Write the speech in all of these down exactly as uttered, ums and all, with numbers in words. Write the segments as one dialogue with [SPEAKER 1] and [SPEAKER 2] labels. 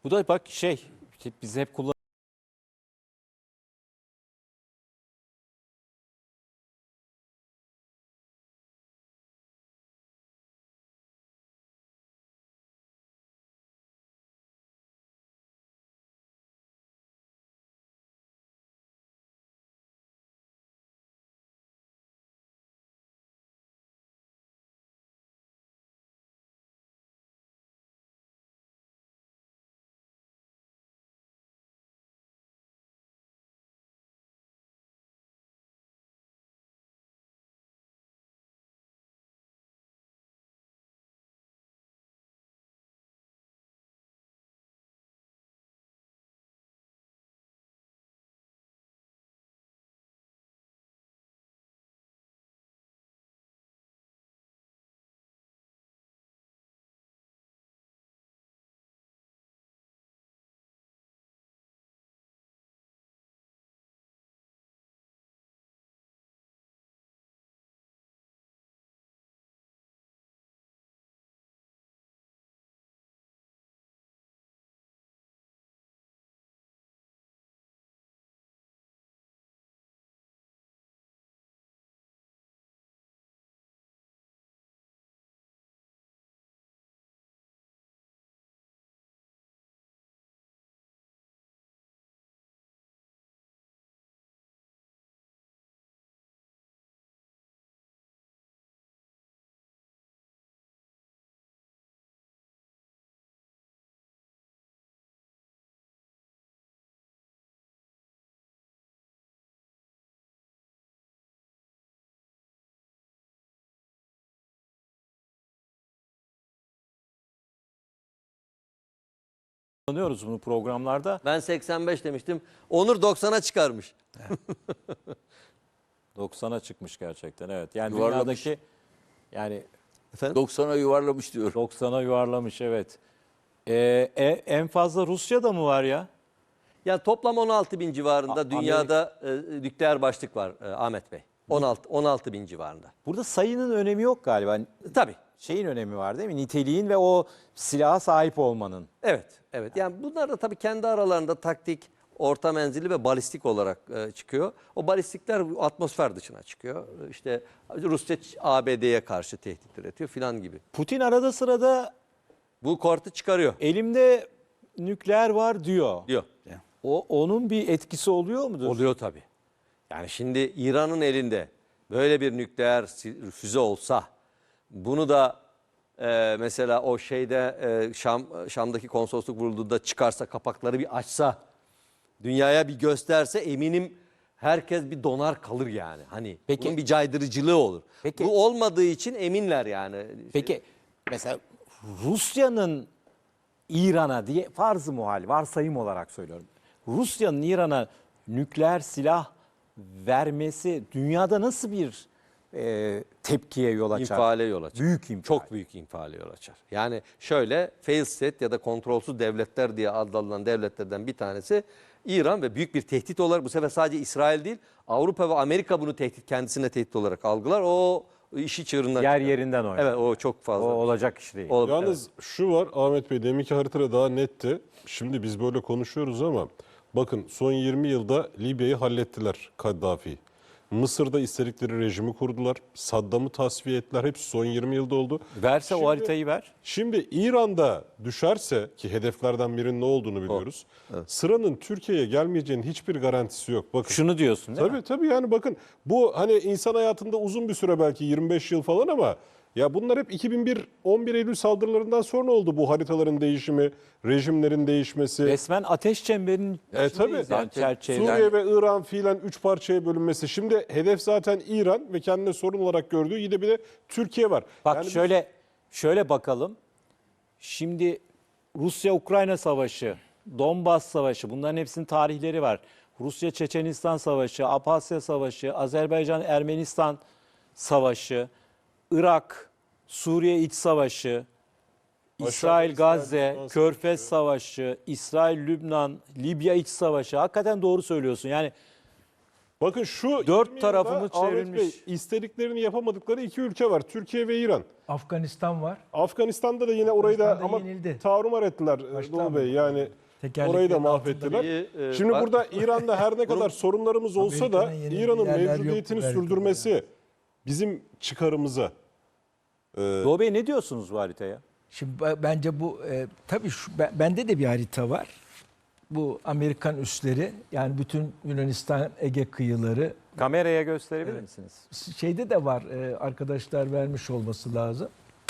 [SPEAKER 1] Bu da bak şey, işte biz hep kullan kullanıyoruz bunu programlarda.
[SPEAKER 2] Ben seksen beş demiştim. Onur doksana çıkarmış.
[SPEAKER 1] doksana çıkmış gerçekten, evet. Yani
[SPEAKER 3] Yuvarlamış.
[SPEAKER 1] dünyadaki, yani
[SPEAKER 2] Efendim?
[SPEAKER 3] doksana yuvarlamış diyor.
[SPEAKER 1] doksana yuvarlamış, evet. Ee, e- en fazla Rusya'da mı var ya?
[SPEAKER 2] Ya toplam on altı bin civarında
[SPEAKER 1] A-
[SPEAKER 2] dünyada e, nükleer başlık var e, Ahmet Bey. on altı on altı bin civarında.
[SPEAKER 1] Burada sayının önemi yok galiba.
[SPEAKER 2] Tabii.
[SPEAKER 1] Şeyin önemi var değil mi? Niteliğin ve o silaha sahip olmanın.
[SPEAKER 2] Evet, evet. Yani bunlar da tabii kendi aralarında taktik, orta menzilli ve balistik olarak e, çıkıyor. O balistikler atmosfer dışına çıkıyor. E, İşte Rusya A B D'ye karşı tehdit üretiyor filan gibi.
[SPEAKER 1] Putin arada sırada
[SPEAKER 2] Bu kortu çıkarıyor
[SPEAKER 1] elimde nükleer var diyor.
[SPEAKER 2] diyor.
[SPEAKER 1] O onun bir etkisi oluyor mudur?
[SPEAKER 2] Oluyor tabii. Yani şimdi İran'ın elinde böyle bir nükleer si- füze olsa, bunu da e, mesela o şeyde e, Şam Şam'daki konsolosluk vurulduğunda çıkarsa, kapakları bir açsa, dünyaya bir gösterse, eminim herkes bir donar kalır yani. Hani
[SPEAKER 1] Peki-
[SPEAKER 2] bunun bir caydırıcılığı olur.
[SPEAKER 1] Peki-
[SPEAKER 2] Bu olmadığı için eminler yani.
[SPEAKER 1] Peki mesela Rusya'nın İran'a diye farz-ı muhal, varsayım olarak söylüyorum. Rusya'nın İran'a nükleer silah vermesi dünyada nasıl bir e, tepkiye yol açar?
[SPEAKER 2] İnfiale yol açar.
[SPEAKER 1] Büyük infial.
[SPEAKER 2] Çok büyük infiale yol açar. Yani şöyle, fail state ya da kontrolsüz devletler diye adlandırılan devletlerden bir tanesi İran ve büyük bir tehdit olarak, bu sefer sadece İsrail değil, Avrupa ve Amerika bunu tehdit, kendisine tehdit olarak algılar. O işi çığırından
[SPEAKER 1] Yer
[SPEAKER 2] çıkarır.
[SPEAKER 1] yerinden oynar.
[SPEAKER 2] Evet, o çok
[SPEAKER 1] O
[SPEAKER 2] fazla.
[SPEAKER 1] olacak iş değil.
[SPEAKER 2] O-
[SPEAKER 4] Yalnız şu var Ahmet Bey, deminki haritada daha netti. Şimdi biz böyle konuşuyoruz ama bakın son yirmi yılda Libya'yı hallettiler Kaddafi. Mısır'da istedikleri rejimi kurdular. Saddam'ı tasfiye ettiler. Hepsi son yirmi yılda oldu.
[SPEAKER 1] Verse
[SPEAKER 4] Şimdi-
[SPEAKER 1] o haritayı ver.
[SPEAKER 4] Şimdi İran'da düşerse, ki hedeflerden birinin ne olduğunu biliyoruz. Sıranın Türkiye'ye gelmeyeceğinin hiçbir garantisi yok. Bakın.
[SPEAKER 1] Şunu diyorsun değil
[SPEAKER 4] Tabii
[SPEAKER 1] mi?
[SPEAKER 4] tabii, yani bakın bu hani insan hayatında uzun bir süre, belki yirmi beş yıl falan, ama ya bunlar hep iki bin bir on bir Eylül saldırılarından sonra oldu, bu haritaların değişimi, rejimlerin değişmesi.
[SPEAKER 1] Resmen ateş çemberinin
[SPEAKER 4] E
[SPEAKER 1] içindeyiz
[SPEAKER 4] tabii.
[SPEAKER 1] yani,
[SPEAKER 3] Zaten
[SPEAKER 1] çerçeve.
[SPEAKER 4] Suriye ve İran fiilen üç parçaya bölünmesi. Şimdi hedef zaten İran ve kendine sorun olarak gördüğü yine bir de Türkiye var.
[SPEAKER 1] Bak
[SPEAKER 4] Yani biz-
[SPEAKER 1] şöyle şöyle bakalım. Şimdi Rusya-Ukrayna savaşı, Donbas savaşı, bunların hepsinin tarihleri var. Rusya-Çeçenistan savaşı, Abhasya savaşı, Azerbaycan-Ermenistan savaşı, Irak, Suriye iç savaşı, İsrail-Gazze,
[SPEAKER 4] İsrail-Lübnan
[SPEAKER 1] Körfez savaşı, İsrail-Lübnan, Libya iç savaşı. Hakikaten doğru söylüyorsun. Yani
[SPEAKER 4] Bakın şu
[SPEAKER 1] Dört
[SPEAKER 4] yirmi
[SPEAKER 1] tarafımı
[SPEAKER 4] yılda Ahmet
[SPEAKER 1] çevrilmiş.
[SPEAKER 4] Bey, istediklerini yapamadıkları iki ülke var. Türkiye ve İran.
[SPEAKER 3] Afganistan var.
[SPEAKER 4] Afganistan'da da yine orayı da
[SPEAKER 3] Afganistan'da
[SPEAKER 4] ama
[SPEAKER 3] yenildi.
[SPEAKER 4] tarumar ettiler e,
[SPEAKER 3] Başta
[SPEAKER 4] Doğu
[SPEAKER 3] mı?
[SPEAKER 4] Bey. Yani
[SPEAKER 3] Tekerleklerin
[SPEAKER 4] orayı da
[SPEAKER 3] altında
[SPEAKER 4] mahvettiler.
[SPEAKER 2] bir, e,
[SPEAKER 4] Şimdi
[SPEAKER 2] bak-
[SPEAKER 4] burada İran'da her ne kadar sorunlarımız olsa da
[SPEAKER 3] Amerika'nın yenildiği
[SPEAKER 4] İran'ın
[SPEAKER 3] yerler
[SPEAKER 4] mevcudiyetini
[SPEAKER 3] yoktu belki de
[SPEAKER 4] sürdürmesi bizim çıkarımıza.
[SPEAKER 1] Doğu Bey ne diyorsunuz bu haritaya?
[SPEAKER 3] Şimdi b- bence bu e, tabii şu, ben- bende de bir harita var. Bu Amerikan üsleri, yani bütün Yunanistan Ege kıyıları,
[SPEAKER 1] Kameraya gösterebilir misiniz?
[SPEAKER 3] şeyde de var, e, arkadaşlar vermiş olması lazım.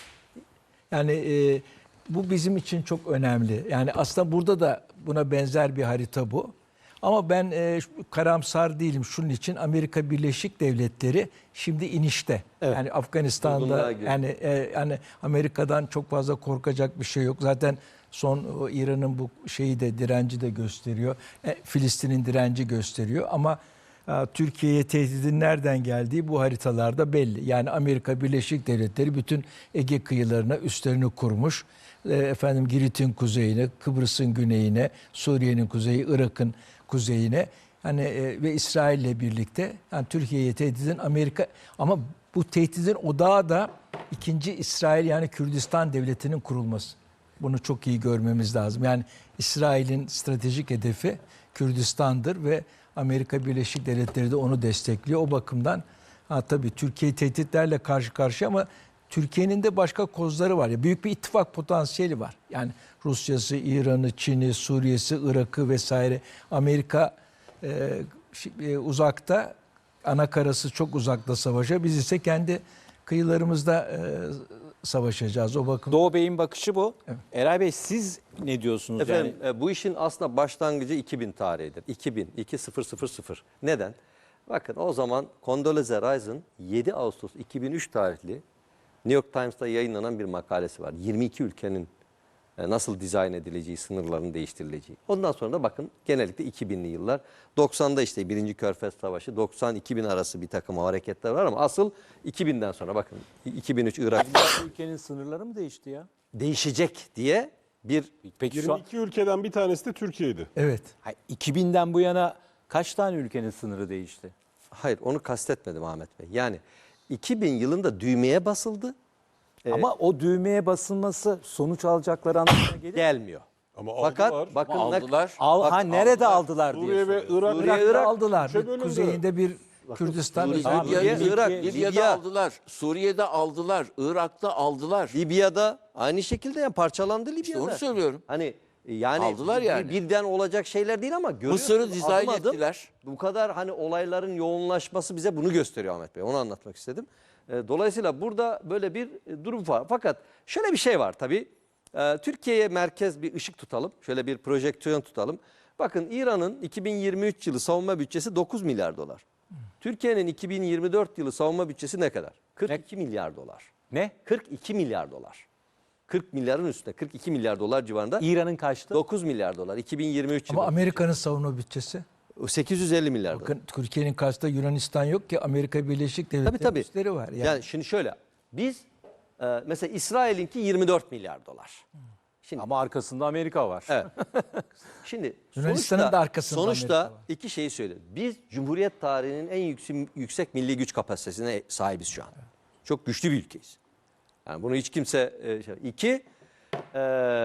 [SPEAKER 3] Yani e, bu bizim için çok önemli. Yani aslında burada da buna benzer bir harita bu. Ama ben e, şu- karamsar değilim şunun için. Amerika Birleşik Devletleri şimdi inişte.
[SPEAKER 2] Evet.
[SPEAKER 3] Yani Afganistan'da
[SPEAKER 2] Durgunluğa girdi.
[SPEAKER 3] yani e, yani Amerika'dan çok fazla korkacak bir şey yok. Zaten son o İran'ın bu şeyi de direnci de gösteriyor. E, Filistin'in direnci gösteriyor ama e, Türkiye'ye tehdidin nereden geldiği bu haritalarda belli. Yani Amerika Birleşik Devletleri bütün Ege kıyılarına üslerini kurmuş. E, efendim Girit'in kuzeyine, Kıbrıs'ın güneyine, Suriye'nin kuzeyi, Irak'ın kuzeyine, hani e, ve İsrail'le birlikte yani Türkiye'ye tehdidin Amerika, ama bu tehdidin odağı da ikinci İsrail, yani Kürdistan devletinin kurulması. Bunu çok iyi görmemiz lazım. Yani İsrail'in stratejik hedefi Kürdistan'dır ve Amerika Birleşik Devletleri de onu destekliyor. O bakımdan ha, tabii Türkiye tehditlerle karşı karşıya, ama Türkiye'nin de başka kozları var. Ya, büyük bir ittifak potansiyeli var. Yani Rusya'sı, İran'ı, Çin'i, Suriye'si, Irak'ı vesaire. Amerika e, şi- e, uzakta, ana karası çok uzakta savaşa. Biz ise kendi kıyılarımızda e, savaşacağız. O bakımdan.
[SPEAKER 1] Doğu Bey'in bakışı bu. Eray Bey siz ne diyorsunuz?
[SPEAKER 2] Efendim
[SPEAKER 1] yani?
[SPEAKER 2] e, bu işin aslında başlangıcı iki bin tarihidir. iki bin, iki bin. Neden? Bakın o zaman Condoleezza Rice'ın yedi Ağustos iki bin üç tarihli New York Times'ta yayınlanan bir makalesi var. yirmi iki ülkenin e, nasıl dizayn edileceği, sınırların değiştirileceği. Ondan sonra da bakın genellikle iki binli yıllar. doksanda işte birinci Körfez Savaşı, doksan iki bin arası bir takım hareketler var ama asıl iki binden sonra bakın iki bin üç Irak
[SPEAKER 1] Ülkenin sınırları mı değişti ya?
[SPEAKER 2] değişecek diye bir
[SPEAKER 1] Peki şu an
[SPEAKER 4] yirmi iki ülkeden bir tanesi de Türkiye'ydi.
[SPEAKER 3] Evet.
[SPEAKER 1] Hayır, iki binden bu yana kaç tane ülkenin sınırı değişti?
[SPEAKER 2] hayır onu kastetmedim Ahmet Bey. Yani iki bin yılında düğmeye basıldı.
[SPEAKER 1] Ama o düğmeye basılması sonuç alacakları anlamına gelir.
[SPEAKER 2] Gelmiyor.
[SPEAKER 4] Ama
[SPEAKER 2] Fakat
[SPEAKER 4] aldılar.
[SPEAKER 2] bakın
[SPEAKER 5] Ama
[SPEAKER 2] ne-
[SPEAKER 5] aldılar.
[SPEAKER 1] Al,
[SPEAKER 2] Bak,
[SPEAKER 1] ha nerede aldılar, diye
[SPEAKER 4] Suriye ve
[SPEAKER 1] soruyorum.
[SPEAKER 4] Irak.
[SPEAKER 2] Suriye,
[SPEAKER 3] Irak'ta
[SPEAKER 2] Irak
[SPEAKER 3] aldılar.
[SPEAKER 4] üçe
[SPEAKER 3] Bir
[SPEAKER 4] bölündü.
[SPEAKER 3] kuzeyinde bir Kürdistan.
[SPEAKER 5] Suriye,
[SPEAKER 3] özellikle-
[SPEAKER 2] Libya,
[SPEAKER 5] Libya'da,
[SPEAKER 2] Irak,
[SPEAKER 5] Libya'da
[SPEAKER 2] Libya.
[SPEAKER 5] aldılar. Suriye'de aldılar. Irak'ta aldılar.
[SPEAKER 2] Libya'da aynı şekilde yani parçalandı Libya'da.
[SPEAKER 5] İşte onu söylüyorum.
[SPEAKER 2] Hani yani
[SPEAKER 5] Aldılar
[SPEAKER 2] bir-
[SPEAKER 5] yani.
[SPEAKER 2] birden olacak şeyler değil ama görüyorsunuz
[SPEAKER 5] Mısır'ı dizayn
[SPEAKER 2] adım adım
[SPEAKER 5] ettiler.
[SPEAKER 2] Bu kadar hani olayların yoğunlaşması bize bunu gösteriyor Ahmet Bey. Onu anlatmak istedim. E, Dolayısıyla burada böyle bir e, durum var. Fakat şöyle bir şey var tabii. E, Türkiye'ye merkez bir ışık tutalım. Şöyle bir projeksiyon tutalım. Bakın İran'ın iki bin yirmi üç yılı savunma bütçesi dokuz milyar dolar. Türkiye'nin iki bin yirmi dört yılı savunma bütçesi ne kadar? kırk iki milyar dolar.
[SPEAKER 1] Ne?
[SPEAKER 2] kırk iki milyar dolar. kırk milyarın üstünde, kırk iki milyar dolar civarında.
[SPEAKER 1] İran'ın kaçtı?
[SPEAKER 2] dokuz milyar dolar iki bin yirmi üç
[SPEAKER 3] Ama
[SPEAKER 2] yılı.
[SPEAKER 3] Amerika'nın savunma bütçesi.
[SPEAKER 2] sekiz yüz elli milyar dolar.
[SPEAKER 3] Bakın Türkiye'nin karşısında Yunanistan yok ki, Amerika Birleşik
[SPEAKER 2] Tabii
[SPEAKER 3] Devletleri
[SPEAKER 2] tabii.
[SPEAKER 3] üsleri var. Yani,
[SPEAKER 2] Yani şimdi şöyle biz e, mesela İsrail'inki yirmi dört milyar dolar. Şimdi
[SPEAKER 1] Ama arkasında Amerika var.
[SPEAKER 2] evet. Şimdi
[SPEAKER 3] Yunanistan'ın
[SPEAKER 2] sonuçta,
[SPEAKER 3] da arkasında
[SPEAKER 2] sonuçta
[SPEAKER 3] Amerika var.
[SPEAKER 2] iki şeyi söyleyeyim. Biz Cumhuriyet tarihinin en yüksek, yüksek milli güç kapasitesine sahibiz şu an. Çok güçlü bir ülkeyiz. Yani bunu hiç kimse e, şey. İki, e,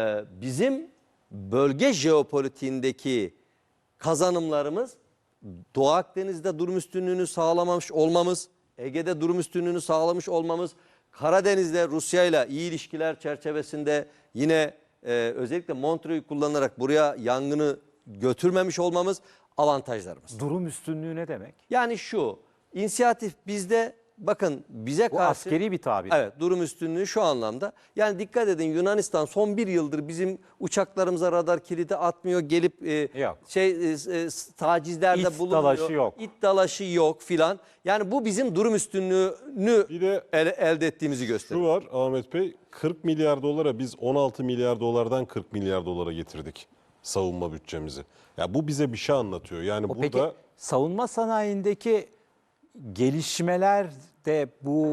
[SPEAKER 2] bizim bölge jeopolitiğindeki kazanımlarımız Doğu Akdeniz'de durum üstünlüğünü sağlamamış olmamız, Ege'de durum üstünlüğünü sağlamış olmamız, Karadeniz'de Rusya ile iyi ilişkiler çerçevesinde yine e, özellikle Montreux'u kullanarak buraya yangını götürmemiş olmamız avantajlarımız.
[SPEAKER 1] Durum üstünlüğü ne demek?
[SPEAKER 2] Yani şu, inisiyatif bizde, bakın bize
[SPEAKER 1] Bu
[SPEAKER 2] karşı...
[SPEAKER 1] askeri bir tabir.
[SPEAKER 2] Evet, durum üstünlüğü şu anlamda. Yani dikkat edin, Yunanistan son bir yıldır bizim uçaklarımıza radar kilidi atmıyor. Gelip e,
[SPEAKER 1] Yok.
[SPEAKER 2] şey e, e, tacizlerde
[SPEAKER 1] İt
[SPEAKER 2] bulunuyor.
[SPEAKER 1] dalaşı yok.
[SPEAKER 2] İt dalaşı yok filan. Yani bu bizim durum üstünlüğünü
[SPEAKER 4] Bir de
[SPEAKER 2] el- elde ettiğimizi
[SPEAKER 4] şu
[SPEAKER 2] gösteriyor.
[SPEAKER 4] var Ahmet Bey, kırk milyar dolara biz on altı milyar dolardan kırk milyar dolara getirdik savunma bütçemizi. Ya bu bize bir şey anlatıyor. Yani
[SPEAKER 1] O
[SPEAKER 4] burada
[SPEAKER 1] Peki savunma sanayindeki gelişmeler de bu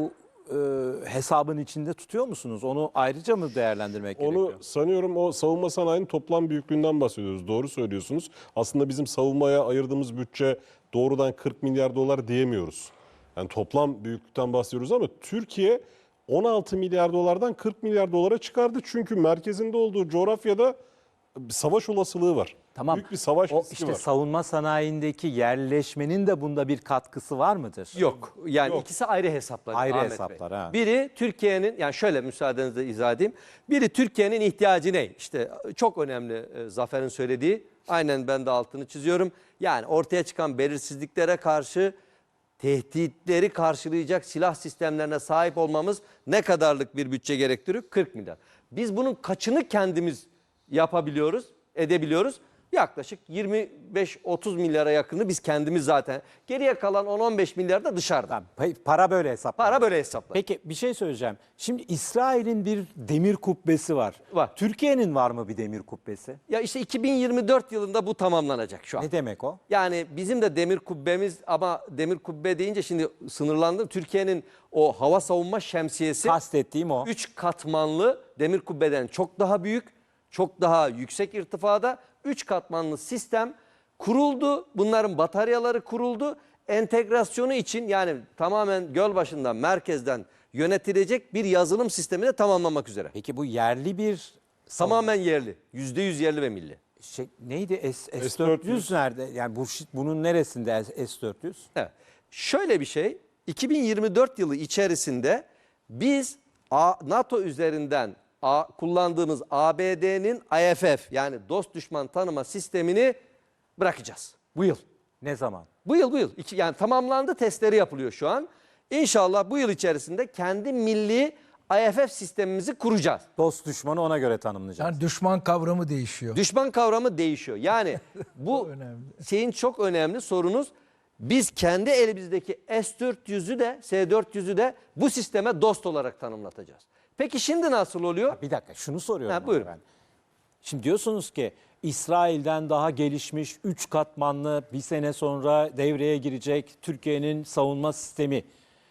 [SPEAKER 1] e, hesabın içinde tutuyor musunuz? Onu ayrıca mı değerlendirmek gerekiyor?
[SPEAKER 4] Onu sanıyorum o savunma sanayinin toplam büyüklüğünden bahsediyoruz. Doğru söylüyorsunuz. Aslında bizim savunmaya ayırdığımız bütçe doğrudan kırk milyar dolar diyemiyoruz. Yani toplam büyüklükten bahsediyoruz ama Türkiye on altı milyar dolardan kırk milyar dolara çıkardı. Çünkü merkezinde olduğu coğrafyada bir savaş olasılığı var.
[SPEAKER 1] Tamam.
[SPEAKER 4] Büyük bir savaş
[SPEAKER 1] O
[SPEAKER 4] riski
[SPEAKER 1] işte
[SPEAKER 4] var.
[SPEAKER 1] savunma sanayindeki yerleşmenin de bunda bir katkısı var mıdır?
[SPEAKER 2] Yok. Yani
[SPEAKER 4] Yok.
[SPEAKER 2] ikisi ayrı hesaplar.
[SPEAKER 1] Ayrı
[SPEAKER 2] Ahmet
[SPEAKER 1] hesaplar,
[SPEAKER 2] Bey.
[SPEAKER 1] ha.
[SPEAKER 2] Biri Türkiye'nin, yani şöyle müsaadenizle izah edeyim. Biri Türkiye'nin ihtiyacı ne? İşte çok önemli e, Zafer'in söylediği. Aynen ben de altını çiziyorum. Yani ortaya çıkan belirsizliklere karşı tehditleri karşılayacak silah sistemlerine sahip olmamız ne kadarlık bir bütçe gerektiriyor? kırk milyar. Biz bunun kaçını kendimiz yapabiliyoruz, edebiliyoruz? Yaklaşık yirmi beş otuz milyara yakını biz kendimiz zaten. Geriye kalan on on beş milyar da dışarıda.
[SPEAKER 1] Tamam, pa- para böyle hesaplanıyor.
[SPEAKER 2] Para böyle hesaplar.
[SPEAKER 1] Peki bir şey söyleyeceğim. Şimdi İsrail'in bir demir kubbesi var.
[SPEAKER 2] Var.
[SPEAKER 1] Türkiye'nin var mı bir demir kubbesi?
[SPEAKER 2] Ya işte iki bin yirmi dört yılında bu tamamlanacak şu an.
[SPEAKER 1] Ne demek o?
[SPEAKER 2] Yani bizim de demir kubbemiz, ama demir kubbe deyince şimdi sınırlandım. Türkiye'nin o hava savunma şemsiyesi
[SPEAKER 1] Kastettiğim o.
[SPEAKER 2] üç katmanlı demir kubbeden çok daha büyük, çok daha yüksek irtifada üç katmanlı sistem kuruldu. Bunların bataryaları kuruldu. Entegrasyonu için, yani tamamen Gölbaşı'ndan, merkezden yönetilecek bir yazılım sistemini de tamamlamak üzere.
[SPEAKER 1] Peki bu yerli bir
[SPEAKER 2] Tamamen yerli. yüzde yüz yerli ve milli.
[SPEAKER 1] şey, neydi? S,
[SPEAKER 4] S
[SPEAKER 1] S dört yüz nerede? Yani bu bunun neresinde S dört yüz?
[SPEAKER 2] Evet. Şöyle bir şey, iki bin yirmi dört yılı içerisinde biz A- NATO üzerinden A- kullandığımız A B D'nin I F F, yani dost düşman tanıma sistemini bırakacağız. Bu yıl.
[SPEAKER 1] Ne zaman?
[SPEAKER 2] Bu yıl bu yıl. İki, yani tamamlandı, testleri yapılıyor şu an. İnşallah bu yıl içerisinde kendi milli I F F sistemimizi kuracağız.
[SPEAKER 1] Dost düşmanı ona göre tanımlayacağız.
[SPEAKER 3] Yani düşman kavramı değişiyor.
[SPEAKER 2] Düşman kavramı değişiyor. Yani bu
[SPEAKER 3] önemli.
[SPEAKER 2] şeyin çok önemli sorunuz. Biz kendi elimizdeki S dört yüzü de S dört yüzü de bu sisteme dost olarak tanımlatacağız. Peki şimdi nasıl oluyor?
[SPEAKER 1] Bir dakika şunu soruyorum.
[SPEAKER 2] Ha,
[SPEAKER 1] ama
[SPEAKER 2] buyurun.
[SPEAKER 1] ben. Şimdi diyorsunuz ki İsrail'den daha gelişmiş üç katmanlı bir sene sonra devreye girecek Türkiye'nin savunma sistemi.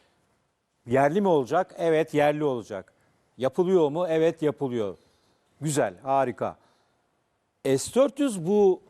[SPEAKER 1] Yerli mi olacak? Evet, yerli olacak. Yapılıyor mu? Evet, yapılıyor. Güzel, harika. S dört yüz bu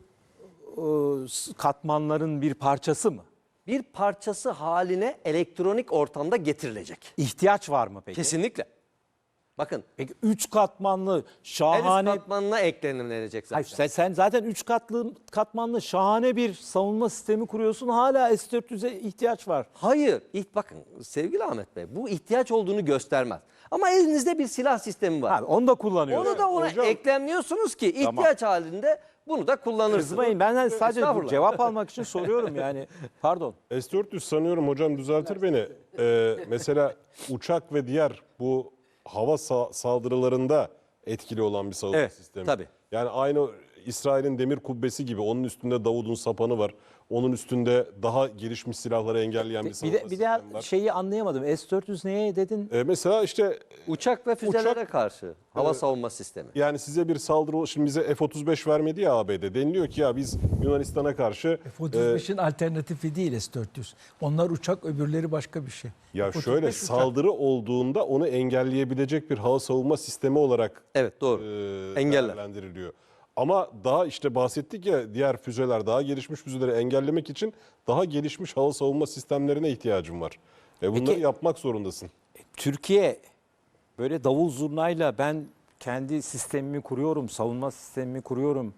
[SPEAKER 1] e, katmanların bir parçası mı?
[SPEAKER 2] Bir parçası haline elektronik ortamda getirilecek.
[SPEAKER 1] İhtiyaç var mı peki?
[SPEAKER 2] Kesinlikle. Bakın,
[SPEAKER 1] Peki üç katmanlı
[SPEAKER 2] her üst
[SPEAKER 1] şahane...
[SPEAKER 2] katmanına eklenilecek zaten.
[SPEAKER 1] Hayır, sen, sen zaten üç katlı katmanlı şahane bir savunma sistemi kuruyorsun. Hala S dört yüze ihtiyaç var.
[SPEAKER 2] Hayır. İht, bakın sevgili Ahmet Bey, bu ihtiyaç olduğunu göstermez. Ama elinizde bir silah sistemi var.
[SPEAKER 1] Abi, onu da kullanıyoruz.
[SPEAKER 2] Onu da ona
[SPEAKER 4] Hocam-
[SPEAKER 2] eklemliyorsunuz ki ihtiyaç
[SPEAKER 1] Tamam.
[SPEAKER 2] halinde bunu da kullanırsınız.
[SPEAKER 1] Kızmayın, ben sadece bu
[SPEAKER 2] Estağfurullah.
[SPEAKER 1] cevap almak için soruyorum yani. Pardon.
[SPEAKER 4] S dört yüz sanıyorum, hocam düzeltir beni. Ee, mesela uçak ve diğer bu hava sa- saldırılarında etkili olan bir savunma
[SPEAKER 2] Evet,
[SPEAKER 4] sistemi.
[SPEAKER 2] tabii.
[SPEAKER 4] Yani aynı İsrail'in demir kubbesi gibi, onun üstünde Davud'un sapanı var. Onun üstünde daha gelişmiş silahları engelleyen bir
[SPEAKER 1] Bir
[SPEAKER 4] savunma
[SPEAKER 1] de bir
[SPEAKER 4] sistemi
[SPEAKER 1] daha
[SPEAKER 4] var.
[SPEAKER 1] şeyi anlayamadım. S dört yüz neye dedin?
[SPEAKER 4] Ee, mesela işte
[SPEAKER 2] Uçak ve füzelere
[SPEAKER 4] Uçak-
[SPEAKER 2] karşı hava savunma sistemi.
[SPEAKER 4] yani size bir saldırı, şimdi bize F otuz beş vermedi ya A B D. Deniliyor ki ya biz Yunanistan'a karşı
[SPEAKER 3] F otuz beşin alternatifi değil S dört yüz. Onlar uçak, öbürleri başka bir şey.
[SPEAKER 4] ya
[SPEAKER 3] F otuz
[SPEAKER 4] şöyle
[SPEAKER 3] beş uçak.
[SPEAKER 4] saldırı olduğunda onu engelleyebilecek bir hava savunma sistemi olarak
[SPEAKER 2] Evet, doğru.
[SPEAKER 4] e,
[SPEAKER 2] Engeller.
[SPEAKER 4] değerlendiriliyor. Ama daha işte bahsettik ya, diğer füzeler, daha gelişmiş füzeleri engellemek için daha gelişmiş hava savunma sistemlerine ihtiyacım var. E bunları
[SPEAKER 1] Peki-
[SPEAKER 4] yapmak zorundasın.
[SPEAKER 1] Türkiye böyle davul zurnayla ben kendi sistemimi kuruyorum, savunma sistemimi kuruyorum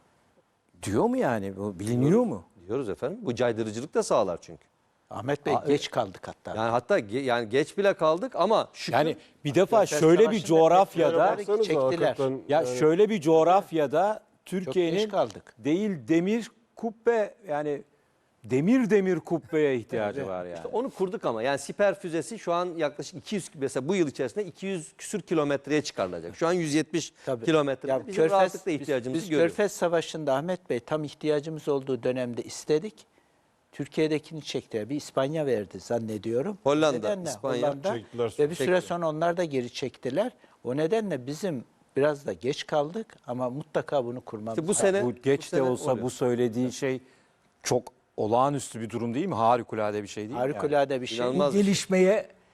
[SPEAKER 1] diyor mu yani? Bu biliniyor mu?
[SPEAKER 2] Diyoruz efendim. Bu caydırıcılık da sağlar çünkü.
[SPEAKER 5] Ahmet Bey geç kaldık hatta.
[SPEAKER 2] Yani hatta ge- yani geç bile kaldık ama şükür
[SPEAKER 1] Yani bir defa
[SPEAKER 5] Körfez
[SPEAKER 1] şöyle bir
[SPEAKER 5] Savaşı'nda
[SPEAKER 1] coğrafyada
[SPEAKER 5] petrolleri çektiler.
[SPEAKER 4] hakikaten,
[SPEAKER 1] ya
[SPEAKER 4] yani
[SPEAKER 1] şöyle bir coğrafyada Türkiye'nin
[SPEAKER 5] geç kaldık.
[SPEAKER 1] değil demir kubbe, yani demir demir kubbeye ihtiyacı var yani.
[SPEAKER 2] onu kurduk ama yani siper füzesi şu an yaklaşık iki yüz, mesela bu yıl içerisinde iki yüz küsür kilometreye çıkarılacak. Şu an yüz yetmiş
[SPEAKER 5] Tabii.
[SPEAKER 2] kilometre.
[SPEAKER 5] Ya
[SPEAKER 2] Bizim rahatlıkla
[SPEAKER 5] biz-
[SPEAKER 2] ihtiyacımızı
[SPEAKER 5] biz,
[SPEAKER 2] görüyoruz.
[SPEAKER 5] Körfez Savaşı'nda Ahmet Bey tam ihtiyacımız olduğu dönemde istedik. Türkiye'dekini çektiler. Bir İspanya verdi zannediyorum.
[SPEAKER 2] Hollanda,
[SPEAKER 5] O nedenle
[SPEAKER 2] İspanya
[SPEAKER 5] Hollanda
[SPEAKER 4] çektiler,
[SPEAKER 5] ve bir süre
[SPEAKER 2] çektiler.
[SPEAKER 5] sonra onlar da geri çektiler. O nedenle bizim biraz da geç kaldık ama mutlaka bunu kurmamız
[SPEAKER 2] İşte bu
[SPEAKER 5] lazım.
[SPEAKER 2] sene
[SPEAKER 1] Bu geç
[SPEAKER 2] bu
[SPEAKER 1] de
[SPEAKER 2] sene
[SPEAKER 1] olsa
[SPEAKER 2] oluyor.
[SPEAKER 1] bu söylediği şey çok olağanüstü bir durum değil mi? Harikulade bir şey değil mi? yani?
[SPEAKER 5] Harikulade bir şey.
[SPEAKER 2] İnanılmaz.
[SPEAKER 3] Bu gelişmeye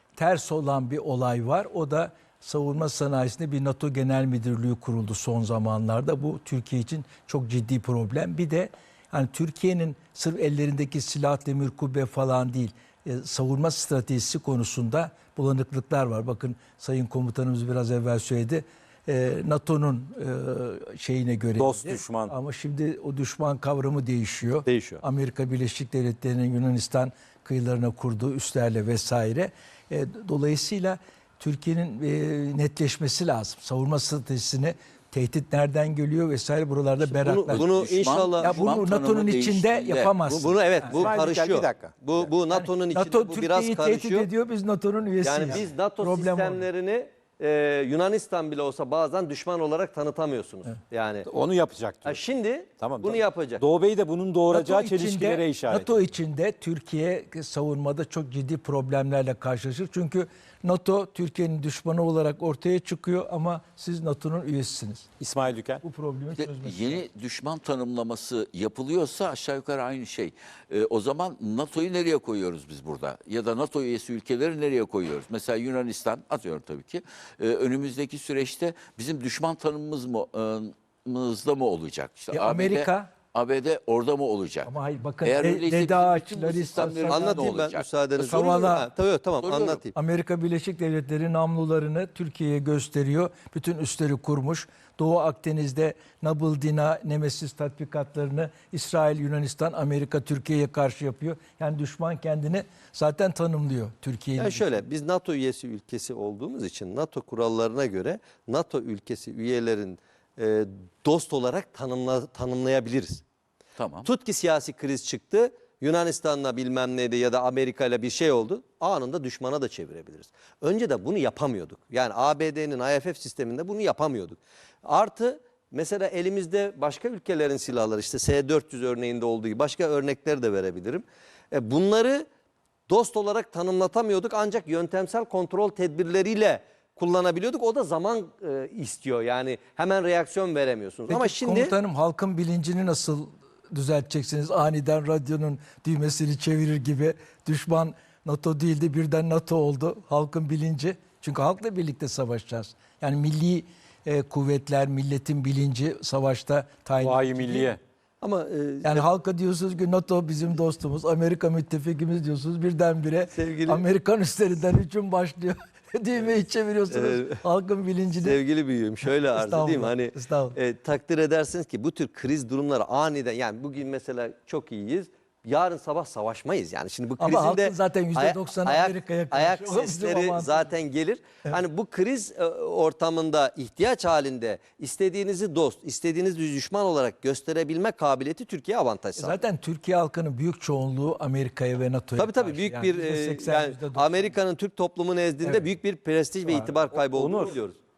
[SPEAKER 3] ters olan bir olay var. O da savunma sanayisinde bir NATO Genel Müdürlüğü kuruldu son zamanlarda. Bu Türkiye için çok ciddi problem. Bir de hani Türkiye'nin sırf ellerindeki silah, demir kubbe falan değil, e, savunma stratejisi konusunda bulanıklıklar var. Bakın Sayın Komutanımız biraz evvel söyledi. E, NATO'nun e, şeyine göre
[SPEAKER 1] Dost, düşman.
[SPEAKER 3] ama şimdi o düşman kavramı değişiyor.
[SPEAKER 1] Değişiyor.
[SPEAKER 3] Amerika Birleşik Devletleri'nin Yunanistan kıyılarına kurduğu üslerle vesaire. E, dolayısıyla Türkiye'nin e, netleşmesi lazım. Savunma stratejisini, tehdit nereden geliyor vesaire buralarda beraklar.
[SPEAKER 2] Bunu, bunu
[SPEAKER 6] Düşman-
[SPEAKER 2] inşallah
[SPEAKER 3] ya bunu
[SPEAKER 6] Düşman
[SPEAKER 3] NATO'nun
[SPEAKER 6] tanımı
[SPEAKER 3] içinde
[SPEAKER 6] değiştiğinde-
[SPEAKER 3] yapamazsın.
[SPEAKER 2] bu, bunu evet bu
[SPEAKER 1] İsmail Dikel,
[SPEAKER 2] karışıyor.
[SPEAKER 1] bir dakika.
[SPEAKER 2] Bu bu NATO'nun içinde
[SPEAKER 3] NATO
[SPEAKER 2] bu biraz
[SPEAKER 3] Türkiye'yi tehdit
[SPEAKER 2] karışıyor.
[SPEAKER 3] ediyor, biz NATO'nun üyesiyiz.
[SPEAKER 2] Yani biz NATO
[SPEAKER 3] Problem orada.
[SPEAKER 2] sistemlerini e, Yunanistan bile olsa bazen düşman olarak tanıtamıyorsunuz. Yani
[SPEAKER 1] Onu yapacak
[SPEAKER 2] ha,
[SPEAKER 1] diyor.
[SPEAKER 2] şimdi
[SPEAKER 1] Tamam,
[SPEAKER 2] bunu
[SPEAKER 1] tamam.
[SPEAKER 2] yapacak.
[SPEAKER 1] Doğu Bey de bunun doğuracağı
[SPEAKER 3] NATO
[SPEAKER 1] çelişkilere
[SPEAKER 3] içinde-
[SPEAKER 1] işaret
[SPEAKER 3] NATO içinde Türkiye savunmada çok ciddi problemlerle karşılaşır. Çünkü NATO Türkiye'nin düşmanı olarak ortaya çıkıyor ama siz NATO'nun üyesisiniz.
[SPEAKER 1] İsmail Dükel.
[SPEAKER 3] Bu problemi
[SPEAKER 6] İşte
[SPEAKER 3] çözmek.
[SPEAKER 6] yeni düşman tanımlaması yapılıyorsa aşağı yukarı aynı şey. Ee, o zaman NATO'yu nereye koyuyoruz biz burada? Ya da NATO üyesi ülkeleri nereye koyuyoruz? Mesela Yunanistan, atıyorum tabii ki. Ee, önümüzdeki süreçte bizim düşman tanımımız mı, e, mızda mı olacak? İşte
[SPEAKER 3] Ya
[SPEAKER 6] A B D
[SPEAKER 3] Amerika-
[SPEAKER 6] A B D orada mı olacak?
[SPEAKER 3] Ama hayır, bakın,
[SPEAKER 6] Eğer
[SPEAKER 3] De-
[SPEAKER 6] öyleyse bizim
[SPEAKER 3] Dedaç,
[SPEAKER 6] bütün bu
[SPEAKER 3] Larissa,
[SPEAKER 6] sistemlerimiz
[SPEAKER 3] Sakat-
[SPEAKER 6] ne
[SPEAKER 2] Anlatayım ben
[SPEAKER 6] olacak?
[SPEAKER 2] müsaadenizle.
[SPEAKER 3] Soruyorum.
[SPEAKER 2] Ha, tabii tamam
[SPEAKER 6] Soruyorum.
[SPEAKER 2] anlatayım.
[SPEAKER 3] Amerika Birleşik Devletleri namlularını Türkiye'ye gösteriyor. Bütün üsleri kurmuş. Doğu Akdeniz'de Nabil Dina, Nemesis tatbikatlarını İsrail, Yunanistan, Amerika Türkiye'ye karşı yapıyor. Yani düşman kendini zaten tanımlıyor Türkiye'yi.
[SPEAKER 2] Yani şöyle biz NATO üyesi ülkesi olduğumuz için NATO kurallarına göre NATO ülkesi üyelerin e, dost olarak tanımla, tanımlayabiliriz.
[SPEAKER 6] Tamam.
[SPEAKER 2] Tut ki siyasi kriz çıktı. Yunanistan'la bilmem neydi ya da Amerika'yla bir şey oldu. Anında düşmana da çevirebiliriz. Önce de bunu yapamıyorduk. Yani A B D'nin I F F sisteminde bunu yapamıyorduk. Artı mesela elimizde başka ülkelerin silahları işte S dört yüz örneğinde olduğu gibi başka örnekler de verebilirim. E bunları dost olarak tanımlatamıyorduk ancak yöntemsel kontrol tedbirleriyle kullanabiliyorduk. O da zaman e, istiyor. Yani hemen reaksiyon veremiyorsunuz.
[SPEAKER 3] Peki
[SPEAKER 2] Ama şimdi
[SPEAKER 3] komutanım, halkın bilincini nasıl düzelteceksiniz? Aniden radyonun düğmesini çevirir gibi düşman NATO değildi, birden NATO oldu. Halkın bilinci. Çünkü halkla birlikte savaşacağız. Yani milli e, kuvvetler, milletin bilinci savaşta tayin
[SPEAKER 1] Vahiy
[SPEAKER 3] edici değil.
[SPEAKER 1] Milliye.
[SPEAKER 2] ama e,
[SPEAKER 3] Yani halka diyorsunuz ki NATO bizim dostumuz, Amerika müttefikimiz diyorsunuz. Birdenbire
[SPEAKER 2] Sevgili-
[SPEAKER 3] Amerikan üstlerinden hücum başlıyor. Düğmeyi çeviriyorsunuz.
[SPEAKER 2] Ee,
[SPEAKER 3] halkın bilincini.
[SPEAKER 2] sevgili büyüğüm şöyle arz edeyim.
[SPEAKER 3] Estağfurullah,
[SPEAKER 2] Hani
[SPEAKER 3] estağfurullah.
[SPEAKER 2] e, takdir edersiniz ki bu tür kriz durumları aniden yani bugün mesela çok iyiyiz. Yarın sabah savaşmayız yani. Şimdi bu
[SPEAKER 3] Ama
[SPEAKER 2] krizin
[SPEAKER 3] halkın
[SPEAKER 2] de
[SPEAKER 3] zaten yüzde
[SPEAKER 2] aya-
[SPEAKER 3] doksanı
[SPEAKER 2] ayak-
[SPEAKER 3] Amerika'ya karşı.
[SPEAKER 2] ayak
[SPEAKER 3] O bizim
[SPEAKER 2] sesleri
[SPEAKER 3] avantajımız.
[SPEAKER 2] zaten gelir. Hani bu kriz e, ortamında ihtiyaç halinde istediğinizi dost, istediğinizi düşman olarak gösterebilme kabiliyeti Türkiye avantaj sağlar.
[SPEAKER 3] Zaten Türkiye halkının büyük çoğunluğu Amerika'ya ve NATO'ya
[SPEAKER 2] Tabii tabii
[SPEAKER 3] karşı.
[SPEAKER 2] büyük
[SPEAKER 3] Yani
[SPEAKER 2] bir
[SPEAKER 3] yüzde
[SPEAKER 2] e,
[SPEAKER 3] seksen,
[SPEAKER 2] yani
[SPEAKER 3] yüzde doksan.
[SPEAKER 2] Amerika'nın Türk toplumu nezdinde
[SPEAKER 3] Evet.
[SPEAKER 2] büyük bir prestij ve itibar kaybı olduğunu
[SPEAKER 1] Onur,
[SPEAKER 2] biliyoruz.